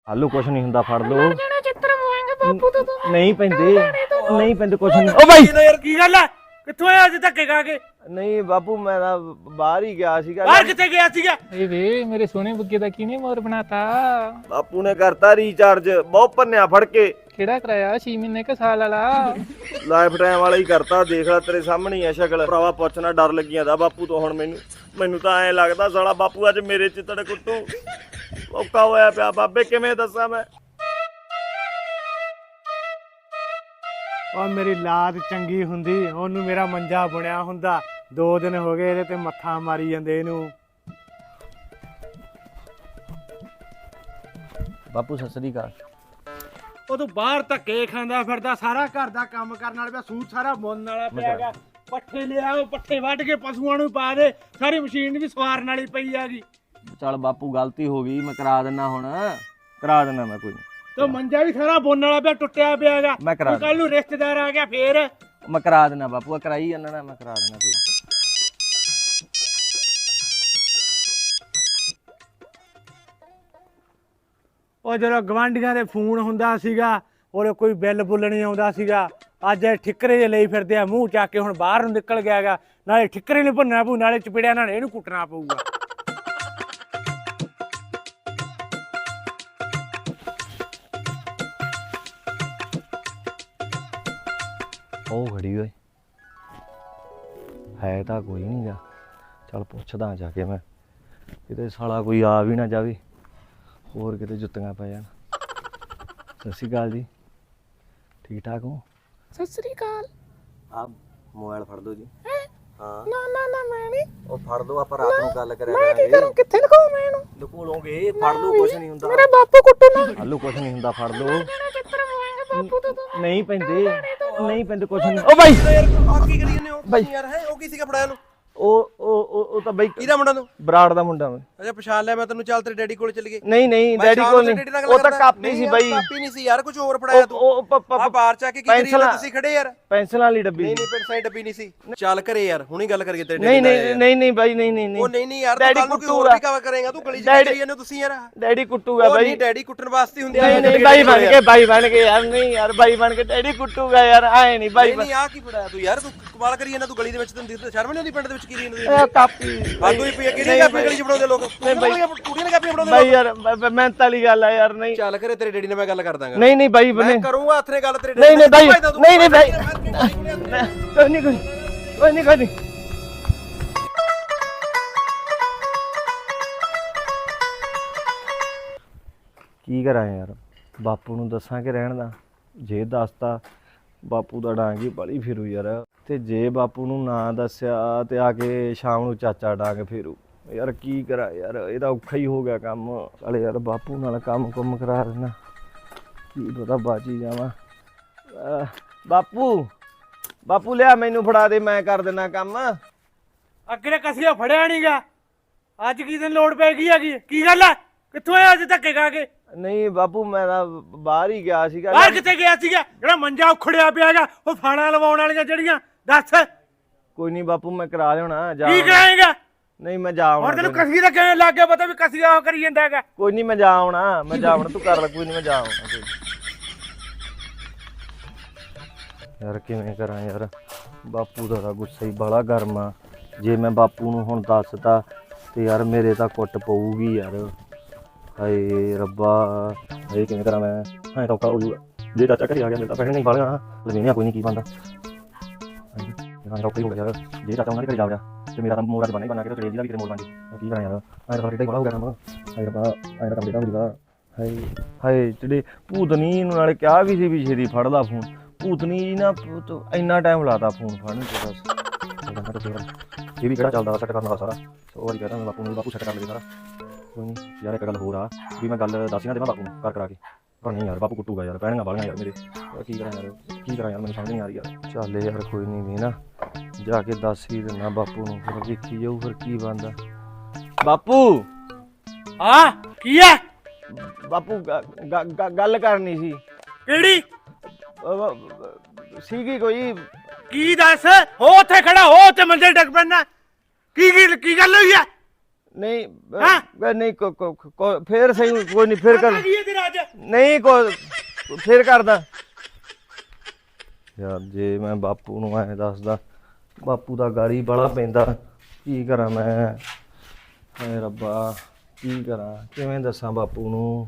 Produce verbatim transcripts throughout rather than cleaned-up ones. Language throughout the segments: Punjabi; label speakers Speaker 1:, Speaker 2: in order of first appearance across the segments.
Speaker 1: ਹਾਲੂ ਕੁਛ ਨਹੀਂ ਹੁੰਦਾ, ਫੜ ਲਓ।
Speaker 2: ਚਿੱਤਰ ਮੋਏਂਗੇ ਬਾਪੂ ਤੋਂ ਤੂੰ
Speaker 1: ਨਹੀਂ ਪੈਂਦੇ ਨਹੀਂ ਪੈਂਦੇ ਕੁਛ ਨਹੀਂ। ਓ ਬਾਈ
Speaker 3: ਯਾਰ ਕੀ ਗੱਲ ਹੈ? ਕਿੱਥੋਂ ਆਇਆ ਅੱਜ ਧੱਕੇ ਖਾ ਕੇ?
Speaker 1: ਨਹੀਂ ਬਾਪੂ ਮੈਂ ਤਾਂ ਬਾਹਰ ਹੀ ਗਿਆ ਸੀਗਾ।
Speaker 3: ਬਾਹਰ ਕਿੱਥੇ ਗਿਆ ਸੀਗਾ?
Speaker 2: ਏ ਵੇ ਮੇਰੇ ਸੋਹਣੇ ਬੁੱਗੇ ਦਾ ਕਿਹਨੇ ਮੋਰ ਬਣਾਤਾ?
Speaker 1: ਬਾਪੂ ਨੇ ਕਰਤਾ ਰੀਚਾਰਜ, ਬਹੁਤ ਭੰਨਿਆ ਫੜ ਕੇ।
Speaker 2: ਕਿਹੜਾ ਕਰਾਇਆ ਛੇ ਮਹੀਨੇ ਕ ਸਾਲ ਵਾਲਾ?
Speaker 1: ਲਾਈਫ ਟਾਈਮ ਵਾਲਾ ਹੀ ਕਰਤਾ। ਦੇਖ ਲੈ ਤੇਰੇ ਸਾਹਮਣੇ ਹੀ ਆ ਸ਼ਕਲ। ਭਰਾਵਾ ਪੁੱਛਣਾ ਡਰ ਲੱਗੀ ਜਾਂਦਾ ਬਾਪੂ ਤੋਂ ਹੁਣ। ਮੈਨੂੰ ਮੈਨੂੰ ਤਾਂ ਐਂ ਲੱਗਦਾ ਸਾਲਾ ਬਾਪੂ ਅੱਜ ਮੇਰੇ ਚਿੱਤੜ ਕੁੱਟੂ। ਔਖਾ ਹੋਇਆ ਪਿਆ ਬਾਬੇ, ਕਿਵੇਂ ਦੱਸਾਂ ਮੈਂ।
Speaker 4: ਉਹ ਮੇਰੀ ਲਾਦ ਚੰਗੀ ਹੁੰਦੀ ਉਹਨੂੰ ਮੇਰਾ ਮੰਜਾ ਬਣਿਆ ਹੁੰਦਾ। ਦੋ ਦਿਨ ਹੋ ਗਏ ਇਹਦੇ ਤੇ ਮੱਥਾ ਮਾਰੀ ਜਾਂਦੇ ਇਹਨੂੰ।
Speaker 1: ਬਾਪੂ ਸਤਿ ਸ੍ਰੀ ਅਕਾਲ।
Speaker 3: ਉਹ ਤੂੰ ਬਾਹਰ ਧੱਕੇ ਖਾਂਦਾ ਫਿਰਦਾ, ਸਾਰਾ ਘਰ ਦਾ ਕੰਮ ਕਰਨ ਵਾਲਾ ਪਿਆ, ਸੂਟ ਸਾਰਾ ਬੁਣਨ ਵਾਲਾ ਪਿਆਗਾ। ਪੱਠੇ ਲਿਆਓ, ਪੱਠੇ ਵੱਢ ਕੇ ਪਸ਼ੂਆਂ ਨੂੰ ਪਾ ਦੇ। ਸਾਰੀ ਮਸ਼ੀਨ ਵੀ ਸਵਾਰਨ ਵਾਲੀ ਪਈ ਹੈਗੀ।
Speaker 1: ਚੱਲ ਬਾਪੂ ਗਲਤੀ ਹੋ ਗਈ, ਮੈਂ ਕਰਾ ਦਿੰਦਾ ਹੁਣ। ਕਰਾ ਦਿੰਦਾ ਮੈਂ, ਕੋਈ ਨਹੀਂ।
Speaker 3: ਤੇ ਮੰਜਾ ਵੀ ਸਾਰਾ ਬੁਣਨ ਵਾਲਾ ਪਿਆ, ਟੁੱਟਿਆ ਪਿਆ ਹੈਗਾ।
Speaker 1: ਮੈਂ ਕਰਾ
Speaker 3: ਕੱਲ ਨੂੰ ਰਿਸ਼ਤੇਦਾਰ ਆ ਗਿਆ ਫੇਰ।
Speaker 1: ਮੈਂ ਕਰਾ ਦਿੰਦਾ ਬਾਪੂ, ਕਰਾਈ ਜਾਂਦਾ ਨਾ, ਮੈਂ ਕਰਾ ਦਿੰਦਾ ਕੋਈ।
Speaker 4: ਉਹ ਜਦੋਂ ਗਵਾਂਢੀਆਂ ਦੇ ਫੋਨ ਹੁੰਦਾ ਸੀਗਾ ਔਰ ਕੋਈ ਬਿੱਲ ਬੁੱਲ ਨਹੀਂ ਆਉਂਦਾ ਸੀਗਾ। ਅੱਜ ਇਹ ਠਿੱਕਰੇ ਜੇ ਲਈ ਫਿਰਦੇ ਆ ਮੂੰਹ ਚੱਕ ਕੇ। ਹੁਣ ਬਾਹਰ ਨੂੰ ਨਿਕਲ ਗਿਆ ਗਾ। ਨਾਲੇ ਠਿੱਕਰੇ ਨੂੰ ਭੰਨਣਾ ਪਊ, ਨਾਲੇ ਚਪੇੜਿਆਂ ਨਾਲ ਇਹਨੂੰ ਕੁੱਟਣਾ ਪਊਗਾ।
Speaker 1: ਉਹ ਖੜੀ ਓਏ, ਹੈ ਤਾਂ ਕੋਈ ਨਹੀਂ ਗਾ। ਚੱਲ ਪੁੱਛਦਾ ਜਾ ਕੇ ਮੈਂ, ਕਿਤੇ ਸਾਲਾ ਕੋਈ ਆ ਵੀ ਨਾ ਜਾਵੇ, ਹੋਰ ਕਿਤੇ ਜੁੱਤੀਆਂ ਪੈ ਜਾਣ। ਸਤਿ ਸ਼੍ਰੀ ਅਕਾਲ ਜੀ, ਠੀਕ ਠਾਕ ਹੋ?
Speaker 2: ਸਤਿ ਸ੍ਰੀ ਅਕਾਲ।
Speaker 1: ਆ ਮੋਬਾਈਲ ਫੜ ਦੋ ਜੀ। ਹਾਂ
Speaker 2: ਨਾ ਨਾ ਨਾ ਮੈਂ ਨਹੀਂ।
Speaker 1: ਉਹ ਫੜ ਦੋ, ਆਪਾਂ ਰਾਤ ਨੂੰ ਗੱਲ ਕਰਿਆ
Speaker 2: ਮੈਂ ਕੀ
Speaker 1: ਕਰਾਂਗੇ।
Speaker 2: ਕਰੂੰ? ਕਿੱਥੇ ਲਗਾਉ ਮੈਂ ਇਹਨੂੰ?
Speaker 1: ਲੁਕੋ ਲੋਗੇ, ਫੜ ਲਓ, ਕੁਛ ਨਹੀਂ ਹੁੰਦਾ।
Speaker 2: ਮੇਰਾ ਬਾਪੂ ਕੁੱਟੂ ਨਾ।
Speaker 1: ਹਾਲੂ ਕੁਛ ਨਹੀਂ ਹੁੰਦਾ, ਫੜ ਲਓ।
Speaker 2: ਚਿੱਤਰ ਮੋਏਂਗੇ ਬਾਪੂ ਤੋਂ ਤੂੰ।
Speaker 1: ਨਹੀਂ ਪੈਂਦੇ ਨਹੀਂ ਪੈਂਦੇ ਕੁਛ ਨਹੀਂ। ਓ ਬਾਈ
Speaker 3: ਯਾਰ ਆ ਕੀ ਕਰੀ ਜਾਂਦੇ ਹੋ
Speaker 1: ਬਾਈ।
Speaker 3: ਯਾਰ? ਹੈ ਉਹ ਕੀ ਸੀਗਾ ਫੜਾਇਆ ਨੂੰ?
Speaker 1: ਉਹ ਉਹ ਉਹ ਉਹ ਤਾਂ ਬਾਈ
Speaker 3: ਕਿਹਦਾ ਮੁੰਡਾ ਤੂੰ?
Speaker 1: ਬਰਾੜ ਦਾ ਮੁੰਡਾ ਮੈਂ।
Speaker 3: ਅੱਛਾ ਪਛਾਣ ਲਿਆ ਮੈਂ ਤੈਨੂੰ। ਚੱਲ ਤੇਰੇ ਡੈਡੀ ਕੋਲ ਚੱਲ ਗਏ।
Speaker 1: ਨਹੀਂ ਨਹੀਂ
Speaker 3: ਮੈਂ
Speaker 1: ਡੈਡੀ
Speaker 3: ਸ਼ਾਮ
Speaker 1: ਕੋਲ
Speaker 3: ਨੂੰ
Speaker 1: ਨਹੀਂ,
Speaker 3: ਤੇਰੇ ਡੈਡੀ ਨਾਲ
Speaker 1: ਉਹ
Speaker 3: ਗੱਲ
Speaker 1: ਤਾਂ
Speaker 3: ਕਰਦਾ।
Speaker 1: ਕਾਪੀ
Speaker 3: ਨਹੀਂ
Speaker 1: ਸੀ
Speaker 3: ਯਾਰ,
Speaker 1: ਬਾਈ।
Speaker 3: ਕਾਪੀ ਨਹੀਂ ਸੀ ਯਾਰ, ਕੁਝ ਹੋਰ ਫੜਾਇਆ ਤੂੰ।
Speaker 1: ਉਹ ਪ- ਪ-
Speaker 3: ਆ ਬਾਹਰ ਚਾ ਕੇ ਕੀ ਕਰੀ
Speaker 1: ਪੈਨਸਲਾਂ।
Speaker 3: ਜਾਂਦੇ ਤੁਸੀਂ ਖੜੇ ਯਾਰ?
Speaker 1: ਪੈਨਸਲਾਂ ਵਾਲੀ ਡੱਬੀ।
Speaker 3: ਨਹੀਂ ਨਹੀਂ ਪੈਨਸਲ ਦੀ ਡੱਬੀ ਨਹੀਂ ਸੀ। ਚੱਲ ਘਰੇ ਯਾਰ, ਹੁਣੀ ਗੱਲ ਕਰੀਏ ਤੇਰੇ
Speaker 1: ਨਹੀਂ
Speaker 3: ਨਾਲ
Speaker 1: ਨਹੀਂ
Speaker 3: ਯਾਰ।
Speaker 1: ਨਹੀਂ ਨਹੀਂ ਬਾਈ, ਨਹੀਂ ਨਹੀਂ
Speaker 3: ਉਹ
Speaker 1: ਨਹੀਂ
Speaker 3: ਨਹੀਂ ਨਹੀਂ ਯਾਰ, ਤੂੰ
Speaker 1: ਡੈਡੀ
Speaker 3: ਕੱਲ ਨੂੰ ਕੋਈ ਹੋਰ
Speaker 1: ਕੁੱਟੂਗਾ।
Speaker 3: ਵੀ ਕਵਰ ਕਰੇਗਾ। ਤੂੰ ਗਲੀ ਚ
Speaker 1: ਡੈਡੀ-
Speaker 3: ਕਰੀ ਜਾਂਦੇ ਹੋ ਤੁਸੀਂ ਯਾਰ।
Speaker 1: ਡੈਡੀ ਕੁੱਟੂਗਾ
Speaker 3: ਉਹ
Speaker 1: ਬਾਈ।
Speaker 3: ਨਹੀਂ ਡੈਡੀ ਕੁੱਟਣ ਵਾਸਤੇ ਹੁੰਦੇ
Speaker 1: ਨਹੀਂ ਨਹੀਂ ਬਾਈ ਬਣ ਕੇ, ਬਾਈ ਬਣ ਕੇ ਯਾਰ। ਨਹੀਂ ਯਾਰ ਬਾਈ ਬਣ ਕੇ ਡੈਡੀ ਕੁੱਟੂਗਾ ਯਾਰ, ਆਏ ਨਹੀਂ ਬਾਈ।
Speaker 3: ਨਹੀਂ ਆ ਕੀ ਫੜਾਇਆ ਤੂੰ ਯਾਰ? ਤੂੰ ਕਮਾਲ ਕਰੀ ਜਾਂਦਾ। ਤੂੰ ਗਲੀ ਦੇ ਵਿੱਚ ਤੈਨੂੰ ਦਿਖਦਾ ਸ਼ਰਮ ਨਹੀਂ ਆਉਂਦੀ? ਪਿੰਡ ਦੇ ਵਿੱਚ ਕੀ ਕਰੀ ਜਾਂਦੇ
Speaker 1: ਇਹ ਕਾਪੀ
Speaker 3: ਆਦੂ ਹੀ ਪਈ ਕਿਹੜੀ ਕਾਪੀ ਗਲੀ ਚ ਫੜਾਉਂਦੇ ਲੋਕ?
Speaker 1: ਨਹੀਂ ਬਾਈ।
Speaker 3: ਕੁੜੀਆਂ ਨੇ ਕਾਪੀਆਂ ਫੜਾਉਂਦੇ
Speaker 1: ਬਾਈ ਯਾਰ ਮਿਹਨਤ ਵਾਲੀ ਗੱਲ ਆ ਯਾਰ। ਨਹੀਂ
Speaker 3: ਚੱਲ ਘਰੇ ਤੇਰੇ ਡੈਡੀ ਨਾਲ ਮੈਂ ਗੱਲ ਕਰ ਦਾਂਗਾ।
Speaker 1: ਨਹੀਂ ਨਹੀਂ ਬਾਈ
Speaker 3: ਮੈਂ
Speaker 1: ਬਣੇ।
Speaker 3: ਕਰੂੰਗਾ ਹੱਥ ਨੇ ਗੱਲ ਤੇਰੇ
Speaker 1: ਨਹੀਂ ਨਹੀਂ ਬਾਈ,
Speaker 3: ਡੈਡੀ ਨਾਲ।
Speaker 1: ਨਹੀਂ ਨਹੀਂ ਬਾਈ, ਕੋਈ ਨਹੀਂ ਕੋਈ ਕੋਈ ਨਹੀਂ ਕੋਈ ਨਹੀਂ। ਕੀ ਕਰਾਂ ਯਾਰ, ਬਾਪੂ ਨੂੰ ਦੱਸਾਂ ਕਿ ਰਹਿਣ ਦਾ? ਜੇ ਦੱਸਤਾ ਬਾਪੂ ਦਾ ਡਾਂਗ ਹੀ ਬੜੀ ਫਿਰੂ ਯਾਰ। ਤੇ ਜੇ ਬਾਪੂ ਨੂੰ ਨਾ ਦੱਸਿਆ ਤੇ ਆ ਕੇ ਸ਼ਾਮ ਨੂੰ ਚਾਚਾ ਡਾਂਗ ਫਿਰੂ। ਯਾਰ ਕੀ ਕਰਾਂ ਯਾਰ, ਇਹਦਾ ਔਖਾ ਹੀ ਹੋ ਗਿਆ ਕੰਮ। ਚੱਲ ਯਾਰ ਬਾਪੂ ਨਾਲ ਕੰਮ ਕੁੰਮ ਕਰਾ ਦੇਣਾ, ਕੀ ਪਤਾ ਬਾਜੀ ਜਾਵਾਂ। ਅਹ ਬਾਪੂ ਬਾਪੂ ਲਿਆ ਮੈਨੂੰ ਫੜਾ ਦੇ, ਮੈਂ ਕਰ ਦੇਣਾ ਕੰਮ।
Speaker 3: ਅੱਗੇ ਕਸੀਆ ਫੜਿਆ ਨਹੀਂਗਾ, ਅੱਜ ਕੀ ਦਿਨ ਲੋੜ ਪੈ ਗਈ ਹੈਗੀ? ਕੀ ਗੱਲ ਹੈ? ਕਿੱਥੋਂ ਆਇਆ ਅੱਜ ਧੱਕੇ ਖਾ ਕੇ?
Speaker 1: ਨਹੀਂ ਬਾਪੂ ਮੈਂ ਤਾਂ ਬਾਹਰ ਹੀ ਗਿਆ ਸੀਗਾ।
Speaker 3: ਬਾਹਰ ਕਿੱਥੇ ਗਿਆ ਸੀਗਾ? ਜਿਹੜਾ ਮੰਜਾ ਉਖੜਿਆ ਪਿਆਗਾ, ਉਹ ਫਾਣਾ ਲਵਾਉਣ ਵਾਲੀਆਂ ਜਿਹੜੀਆਂ, ਦੱਸ
Speaker 1: ਕੋਈ ਨਹੀਂ ਬਾਪੂ, ਮੈਂ ਕਰਾ ਲਿਆਉਣਾ। ਜਾ
Speaker 3: ਕੀ ਕਰਾਏਗਾ?
Speaker 1: ਨਹੀਂ ਮੈਂ ਜਾ ਆਉਣਾ।
Speaker 3: ਹੁਣ ਤੈਨੂੰ ਕਸੀ ਦਾ ਕਿਵੇਂ ਲੱਗ ਗਿਆ ਪਤਾ ਵੀ ਕਸੀਆ ਉਹ ਕਰੀ ਜਾਂਦਾ ਹੈਗਾ?
Speaker 1: ਕੋਈ ਨਹੀਂ ਮੈਂ ਜਾ ਆਉਣਾ, ਮੈਂ ਜਾ ਆਉਣਾ, ਤੂੰ ਕਰ ਲੈ। ਕੋਈ ਨਹੀਂ ਮੈਂ ਜਾ ਆਉਣਾ। ਕੋਈ ਯਾਰ ਕਿਵੇਂ ਕਰਾਂ ਯਾਰ, ਬਾਪੂ ਦਾ ਤਾਂ ਗੁੱਸਾ ਹੀ ਬੜਾ ਗਰਮ ਆ। ਜੇ ਮੈਂ ਬਾਪੂ ਨੂੰ ਹੁਣ ਦੱਸਤਾ ਤੇ ਯਾਰ ਮੇਰੇ ਤਾਂ ਕੁੱਟ ਪਊਗੀ ਯਾਰ। ਹਾਏ ਰੱਬਾ, ਇਹ ਕਿਵੇਂ ਕਰਾਂ ਮੈਂ? ਹਾਂ ਤਾਂ ਔਖਾ ਹੋ ਜੂਗਾ। ਜੇ ਚਾਚਾ ਘਰੇ ਆ ਗਿਆ ਮੇਰੇ ਤਾਂ ਪੈਸੇ ਨਹੀਂ ਬਾਲੀਆਂ ਲਵੇਣਿਆ, ਕੋਈ ਨਹੀਂ ਕੀ ਬਣਦਾ। ਹਾਂ ਔਖਾ ਹੀ ਹੋ ਗਿਆ ਯਾਰ। ਜੇ ਚਾਚਾ ਉਹਨਾਂ ਦੇ ਘਰੇ ਜਾ ਰਿਹਾ ਤੇ ਮੇਰਾ ਤਾਂ ਮੋੜ ਅੱਜ ਬਣਾ ਹੀ ਬਣਾ ਕੇ ਤੇ ਤੇਰੇ ਦਾ ਵੀ ਤੇਰੇ ਮੋੜ ਬਣ ਜੇ। ਕੀ ਕਰਾਂ ਯਾਰ, ਐਂ ਤਾਂ ਫਰਕ ਬੜਾ ਹੋ ਗਿਆ ਕੰਮ। ਹਾਏ ਰੱਬਾ, ਐਂ ਤਾਂ ਕੰਮ ਦੇਦਾ ਮੇਰੀ ਦਾ। ਹਾਏ ਹਾਏ ਜਿਹੜੇ ਭੂਤਨੀ ਨੂੰ ਨਾਲੇ ਕਿਹਾ ਵੀ ਸੀ ਵੀ ਛੇਤੀ ਫੜ ਲਾ ਫੋਨ। ਭੂਤਨੀ ਜੀ ਨਾ ਇੰਨਾ ਟਾਈਮ ਲਾਤਾ ਫੋਨ ਫੜਨ ਚ ਬਸ। ਇਹ ਵੀ ਕਿਹੜਾ ਚੱਲਦਾ ਸੈੱਟ ਕਰਨ ਵਾਲਾ ਸਾਰਾ। ਸੌ ਵਾਰੀ ਕਹਿੰਦਾ ਬਾਪੂ ਨੂੰ, ਬਾਪੂ ਸੈੱਟ ਕਰ ਲਵੇ ਸਾਰਾ। ਕੋਈ ਨਹੀਂ ਯਾਰ, ਇੱਕ ਗੱਲ ਹੋਰ ਆ ਵੀ ਮੈਂ ਗੱਲ ਦੱਸ ਨਾ ਦੇਵਾਂ ਬਾਪੂ ਨੂੰ ਕਰ ਕਰਾ ਕੇ। ਪਰ ਨਹੀਂ ਯਾਰ, ਬਾਪੂ ਕੁੱਟੂਗਾ ਯਾਰ, ਪੈਣੀਆਂ ਵਾਲੀਆਂ ਯਾਰ ਮੇਰੇ। ਕੀ ਕਰਾਂ ਯਾਰ, ਕੀ ਕਰਾਂ ਯਾਰ, ਮੈਨੂੰ ਸਮਝ ਨਹੀਂ ਆ ਰਹੀ ਯਾਰ। ਚੱਲ ਯਾਰ ਕੋਈ ਨਹੀਂ, ਵੀ ਨਾ ਜਾ ਕੇ ਦੱਸ ਹੀ ਦਿੰਦਾ ਬਾਪੂ ਨੂੰ, ਫਿਰ ਵੇਖੀ ਜਾਊ ਫਿਰ ਕੀ ਬਣਦਾ। ਬਾਪੂ
Speaker 3: ਹਾਂ ਕੀ ਹੈ?
Speaker 1: ਬਾਪੂ ਗ- ਗ- ਗੱਲ ਕਰਨੀ ਸੀ।
Speaker 3: ਕਿਹੜੀ
Speaker 1: ਸੀਗੀ ਕੋਈ।
Speaker 3: ਕੀ ਦੱਸ? ਹੋ ਉੱਥੇ ਖੜਾ ਹੋ, ਉੱਥੇ ਮੰਜੇ ਡਿੱਗ ਪੈਣਾ। ਕੀ ਕੀ ਕੀ ਗੱਲ ਹੋਈ ਹੈ?
Speaker 1: ਨਹੀਂ ਅ,
Speaker 4: ਹੈਂ?
Speaker 1: ਅ, ਨਹੀਂ ਕੋ- ਕੋ- ਕੋ- ਫੇਰ ਸਹੀ ਕੋਈ ਨਹੀਂ ਫੇਰ ਕਰ
Speaker 4: ਕੀ ਹੈ ਤੇਰਾ ਅੱਜ
Speaker 1: ਨਹੀਂ ਕੋ ਫੇਰ ਕਰਦਾ ਯਾਰ ਜੇ ਮੈਂ ਬਾਪੂ ਨੂੰ ਐਂ ਦੱਸਦਾ ਬਾਪੂ ਦਾ ਗਾਲੀ ਬੜਾ ਪੈਂਦਾ ਕੀ ਕਰਾਂ ਮੈਂ ਹਾਏ ਰੱਬਾ ਕੀ ਕਰਾਂ ਕਿਵੇਂ ਦੱਸਾਂ ਬਾਪੂ ਨੂੰ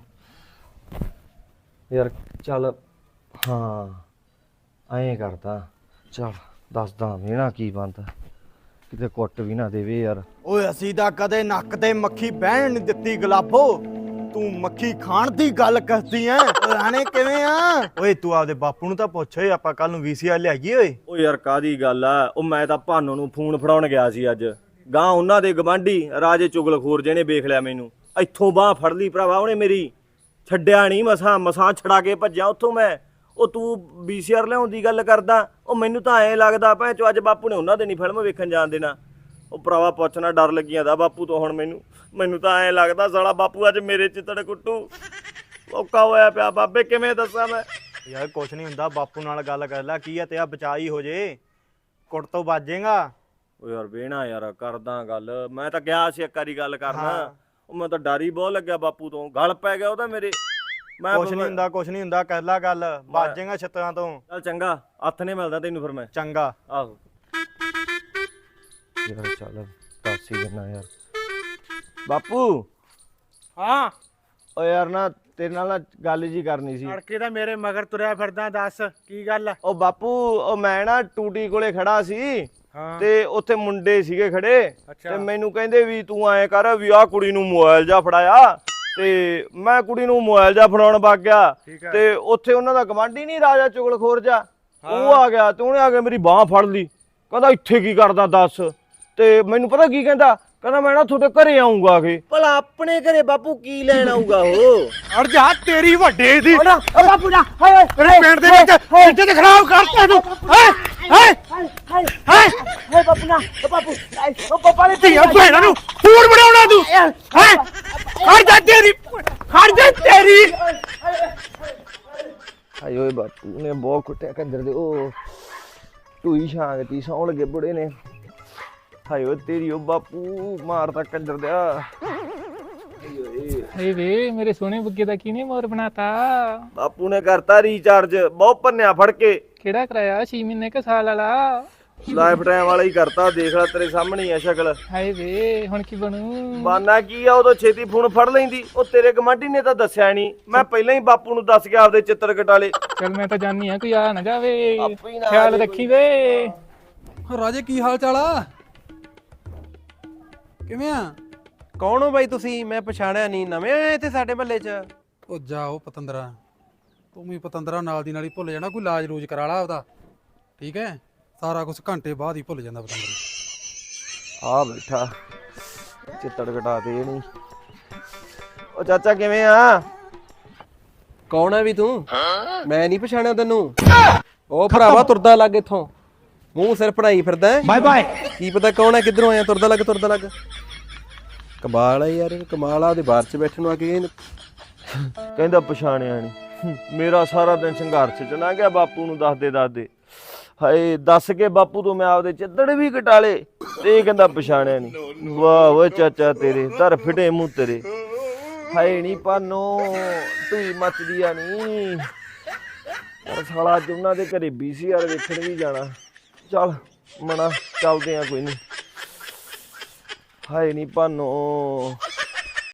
Speaker 1: ਯਾਰ ਚੱਲ ਹਾਂ ਐਂ ਕਰਦਾ ਚੱਲ ਦੱਸਦਾ ਵੀ ਨਾ ਕੀ ਬਣਦਾ ਕਿਤੇ ਕੁੱਟ ਵੀ ਨਾ ਦੇਵੇ ਯਾਰ
Speaker 5: ਓਏ ਅਸੀਂ ਤਾਂ ਕਦੇ ਨੱਕ ਤੇ ਮੱਖੀ ਬਹਿਣ ਨਹੀਂ ਦਿੱਤੀ ਗਲਾਬੋ ਤੂੰ ਮੱਖੀ ਖਾਣ ਦੀ ਗੱਲ ਕਰਦੀ ਐ ਰਾਣੇ ਕਿਵੇਂ ਆ ਓਏ ਤੂੰ ਆਪਦੇ ਬਾਪੂ ਨੂੰ ਤਾਂ ਪੁੱਛ ਓਏ ਆਪਾਂ ਕੱਲ ਨੂੰ ਵੀਸੀਆਰ ਲਿਆਈਏ ਓਏ
Speaker 1: ਉਹ ਯਾਰ ਕਾਦੀ ਗੱਲ ਆ ਉਹ ਮੈਂ ਤਾਂ ਭਾਨੋ ਨੂੰ ਫੋਨ ਫੜਾਉਣ ਗਿਆ ਸੀ ਅੱਜ ਗਾਂ ਉਹਨਾਂ ਦੇ ਗਵਾਂਢੀ ਰਾਜੇ ਚੁਗਲਖੋਰ ਜਿਹਨੇ ਵੇਖ ਲਿਆ ਮੈਨੂੰ ਇੱਥੋਂ ਬਾਹ ਫੜ ਲਈ ਭਰਾਵਾ ਉਹਨੇ ਮੇਰੀ ਛੱਡਿਆ ਨਹੀਂ ਮਸਾਂ ਮਸਾਂ ਛੜਾ ਕੇ ਭੱਜਿਆ ਉੱਥੋਂ ਮੈਂ ਉਹ ਤੂੰ ਵੀਸੀਆਰ ਲਿਆਉਣ ਦੀ ਗੱਲ ਕਰਦਾ ਉਹ ਮੈਨੂੰ ਤਾਂ ਐਂ ਲੱਗਦਾ ਭੈਣ ਚੋ ਅੱਜ ਬਾਪੂ ਨੇ ਉਹਨਾਂ ਦੇ ਨਹੀਂ ਫਿਲਮ ਵੇਖਣ ਜਾਣ ਦੇਣਾ ਉਹ ਭਰਾਵਾ ਪੁੱਛਣਾ ਡਰ ਲੱਗੀ ਜਾਂਦਾ ਬਾਪੂ ਤੋਂ ਹੁਣ ਮੈਨੂੰ ਮੈਨੂੰ ਤਾਂ ਐਂ ਲੱਗਦਾ ਸਾਲਾ ਬਾਪੂ ਅੱਜ ਮੇਰੇ ਚਿੱਤੜ ਕੁੱਟੂ ਔਕਾ ਹੋਇਆ ਪਿਆ ਬਾਬੇ ਕਿਵੇਂ ਦੱਸਾਂ ਮੈਂ
Speaker 5: ਯਾਰ ਕੁਛ ਨਹੀਂ ਹੁੰਦਾ ਬਾਪੂ ਨਾਲ ਗੱਲ ਕਰ ਲੈ ਕੀ ਆ ਤੇਰਾ ਬਚਾਈ ਹੋ ਜੇ ਕੁੱਟ ਤੋਂ ਬਾਜੇਗਾ
Speaker 1: ਉਹ ਯਾਰ ਵੇਣਾ ਯਾਰ ਕਰਦਾ ਗੱਲ ਮੈਂ ਤਾਂ ਗਿਆ ਸੀ ਇੱਕ ਵਾਰੀ ਗੱਲ ਕਰਨਾ ਉਹ ਮੈਂ ਤਾਂ ਡਰ ਹੀ ਬਹੁਤ ਲੱਗਿਆ ਬਾਪੂ ਤੋਂ ਗਲ ਪੈ ਗਿਆ ਉਹ ਤਾਂ ਮੇਰੇ ਮੈਂ
Speaker 5: ਕੁਛ ਨਹੀਂ ਹੁੰਦਾ ਕੁਛ ਨਹੀਂ ਹੁੰਦਾ ਕਰ ਲੈ ਗੱਲ ਬਾਜੇਗਾ ਛੱਤਾਂ ਤੋਂ
Speaker 1: ਚੱਲ ਚੰਗਾ ਹੱਥ ਨੇ ਮਿਲਦਾ ਤੈਨੂੰ ਫਿਰ ਮੈਂ
Speaker 5: ਚੰਗਾ
Speaker 1: ਆਹੋ ਯਾਰ ਚੱਲ ਦੱਸ ਹੀ ਦਿੰਨਾ ਯਾਰ ਬਾਪੂ
Speaker 4: ਹਾਂ
Speaker 1: ਓ ਯਾਰ ਨਾ ਤੇਰੇ ਨਾਲ ਨਾ ਗੱਲ ਜੀ ਕਰਨੀ ਸੀ
Speaker 4: ਤੜਕੇ ਤਾਂ ਮੇਰੇ ਮਗਰ ਤੁਰਿਆ ਫਿਰਦਾ ਦੱਸ ਕੀ ਗੱਲ ਆ
Speaker 1: ਉਹ ਬਾਪੂ ਉਹ ਮੈਂ ਨਾ ਟੂਟੀ ਕੋਲੇ ਖੜਾ ਸੀ
Speaker 4: ਹਾਂ
Speaker 1: ਤੇ ਉੱਥੇ ਮੁੰਡੇ ਸੀਗੇ ਖੜੇ
Speaker 4: ਅੱਛਾ।
Speaker 1: ਤੇ ਮੈਨੂੰ ਕਹਿੰਦੇ ਵੀ ਤੂੰ ਐਂ ਕਰ ਵੀ ਆਹ ਕੁੜੀ ਨੂੰ ਮੋਬਾਈਲ ਜਾ ਫੜਾਇਆ ਤੇ ਮੈਂ ਕੁੜੀ ਨੂੰ ਮੋਬਾਈਲ ਜਾ ਫੜਾਉਣ ਵਗ ਗਿਆ
Speaker 4: ਠੀਕ ਹੈ।
Speaker 1: ਤੇ ਉੱਥੇ ਉਹਨਾਂ ਦਾ ਗਵਾਂਢੀ ਨਹੀਂ ਰਾਜਾ ਚੁਗਲਖੋਰ ਜਾ ਉਹ ਆ ਗਿਆ ਤੇ ਉਹਨੇ ਆ ਕੇ ਮੇਰੀ ਬਾਹ ਫੜ ਲਈ ਕਹਿੰਦਾ ਇੱਥੇ ਕੀ ਕਰਦਾ ਦੱਸ ਤੇ ਮੈਨੂੰ ਪਤਾ ਕੀ ਕਹਿੰਦਾ ਕਹਿੰਦਾ ਮੈਂ ਨਾ ਤੁਹਾਡੇ ਘਰੇ ਆਉਂਗਾ ਕਿ ਭਲਾ ਆਪਣੇ ਘਰੇ ਬਾਪੂ ਕੀ ਲੈਣ ਆਊਗਾ ਉਹ
Speaker 4: ਅੜ ਜਾ ਤੇਰੀ ਵੱਡੇ ਦੀ
Speaker 2: ਓ ਬਾਪੂ ਨਾ ਹਾਏ ਹਾਏ
Speaker 4: ਤੇਰੇ ਪਿੰਡ ਦੇ ਵਿੱਚ ਇੱਜ਼ਤ ਖਰਾਬ ਕਰਤਾ ਤੂੰ ਹੈ ਹੈ
Speaker 2: ਹਾਏ ਹਾਏ ਹਾਏ ਬਾਪੂ ਨਾ ਓ ਬਾਪੂ ਹਾਏ, ਓ ਪਾਪਾ ਨੇ
Speaker 4: ਧੀਆਂ ਭੈਣਾਂ ਨੂੰ ਫੂਡ ਬਣਾਉਣਾ ਤੂੰ ਹੈ ਖੜ ਜਾ ਤੇਰੀ ਖੜ ਜਾ ਤੇਰੀ
Speaker 1: ਹਾਏ ਓਏ ਬਾਪੂ ਨੇ ਬਹੁਤ ਕੁੱਟਿਆ ਕੰਦਰ ਦੇ ਉਹ ਟੂਈ ਛਾਂਗਤੀ ਸੌਣ ਲੱਗੇ ਬੁੜੇ ਨੇ ਹਾਏ ਓਏ ਤੇਰੀ ਉਹ ਬਾਪੂ ਮਾਰਦਾ ਕੰਦਰ ਦਿਆ
Speaker 6: ਹੇ ਵੇ ਮੇਰੇ ਸੋਹਣੇ ਬੁੱਗੇ ਦਾ ਕਿਹਨੇ ਮੋਰ ਬਣਾਤਾ
Speaker 1: ਬਾਪੂ ਨੇ ਕਰਤਾ ਰੀਚਾਰਜ ਬਹੁਤ ਪੰਨਿਆ ਫੜ ਕੇ
Speaker 6: ਕਿਹੜਾ ਕਰਾਇਆ ਛੇ ਮਹੀਨੇ ਕ ਸਾਲ ਵਾਲਾ
Speaker 1: ਲਾਈਫ ਟਾਈਮ ਵਾਲਾ ਹੀ ਕਰਤਾ ਦੇਖ ਲੈ ਤੇਰੇ ਸਾਹਮਣੇ ਹੀ ਆ ਸ਼ਕਲ
Speaker 6: ਹਾਏ ਵੇ ਹੁਣ ਕੀ ਬਣੂ
Speaker 1: ਬਾਨਾ ਕੀ ਆ ਉਦੋਂ ਛੇਤੀ ਫੋਨ ਫੜ ਲੈਂਦੀ ਉਹ ਤੇਰੇ ਗਮਾਂਢੀ ਨੇ ਤਾਂ ਦੱਸਿਆ ਨਹੀਂ ਮੈਂ ਪਹਿਲਾਂ ਹੀ ਬਾਪੂ ਨੂੰ ਦੱਸ ਕੇ ਆਪਦੇ ਚਿੱਤਰ ਕਟਾਲੇ
Speaker 6: ਚਲ ਮੈਂ ਤਾਂ ਜਾਣੀ ਆ ਕੋਈ ਆ ਨਾ ਜਾਵੇ
Speaker 1: ਆਪੇ ਹੀ ਨਾ ਆ
Speaker 6: ਖਿਆਲ
Speaker 1: ਜਾਵੇ
Speaker 6: ਰੱਖੀ ਵੇ
Speaker 7: ਰਾਜੇ ਕੀ ਹਾਲ ਚਾਲ ਆ ਕਿਵੇਂ ਆ
Speaker 8: ਕੌਣ ਹੋ ਬਾਈ ਤੁਸੀਂ ਮੈਂ ਪਛਾਣਿਆ ਨਹੀਂ ਨਵੇਂ ਆਏ ਇੱਥੇ ਸਾਡੇ ਮਹੱਲੇ 'ਚ
Speaker 7: ਉਹ ਜਾਓ ਪਤੰਦਰਾ ਤੂੰ ਵੀ ਪਤੰਦਰਾ ਨਾਲ ਦੀ ਨਾਲ ਹੀ ਭੁੱਲ ਜਾਣਾ ਕੋਈ ਇਲਾਜ ਰੂਜ ਕਰਾ ਲਾ ਉਹਦਾ ਠੀਕ ਹੈ ਸਾਰਾ ਕੁਝ ਘੰਟੇ ਬਾਅਦ ਹੀ ਭੁੱਲ ਜਾਂਦਾ ਪਤੰਦਰਾ
Speaker 1: ਆ ਬੈਠਾ ਚਿੱਤੜ ਕਟਾ ਦੇ ਨਹੀਂ ਉਹ ਚਾਚਾ ਕਿਵੇਂ ਆ
Speaker 8: ਕੌਣ ਹੈ ਵੀ ਤੂੰ ਮੈਂ ਨਹੀਂ ਪਛਾਣਿਆ ਤੈਨੂੰ ਉਹ ਭਰਾਵਾ ਤੁਰਦਾ ਲੱਗ ਇੱਥੋਂ ਮੂੰਹ ਸਿਰ ਪੜਾਈ ਫਿਰਦਾ ਬਾਏ ਬਾਏ ਕੀ ਪਤਾ ਕੌਣ ਹੈ ਕਿੱਧਰੋਂ ਆਇਆ ਤੁਰਦਾ ਲੱਗ ਤੁਰਦਾ ਲੱਗ ਕਮਾਲ ਹੈ ਯਾਰ ਕਮਾਲ ਆ ਉਹਦੇ ਬਾਹਰ 'ਚ ਬੈਠਣ ਨੂੰ ਆ ਕੇ
Speaker 1: ਕਹਿੰਦਾ ਪਛਾਣਿਆ ਨਹੀਂ ਮੇਰਾ ਸਾਰਾ ਦਿਨ ਸੰਘਰਸ਼ ਚ ਲੰਘ ਗਿਆ ਬਾਪੂ ਨੂੰ ਦੱਸਦੇ ਦੱਸਦੇ ਹਾਏ ਦੱਸ ਕੇ ਬਾਪੂ ਤੋਂ ਮੈਂ ਆਪਦੇ ਚਿੱਤੜ ਵੀ ਕਟਾਲੇ ਤੇ ਇਹ ਕਹਿੰਦਾ ਪਛਾਣਿਆ ਨਹੀਂ ਵਾਹ ਓਏ ਚਾਚਾ ਤੇਰੇ ਧਰ ਫਿਟੇ ਮੂੰਹ ਤੇਰੇ ਹਾਏ ਨਹੀਂ ਪਾਨੋ ਤੂੰ ਮੱਚਦੀ ਆ ਨਹੀਂ ਯਾਰ ਸਾਲਾ ਅੱਜ ਉਹਨਾਂ ਦੇ ਘਰੇ ਵੀਸੀਆਰ ਵੇਖਣ ਵੀ ਜਾਣਾ ਚੱਲ ਮਣਾ ਚੱਲਦੇ ਆ ਕੋਈ ਨਹੀਂ ਹਾਏ ਨਹੀਂ ਪਾਨੋ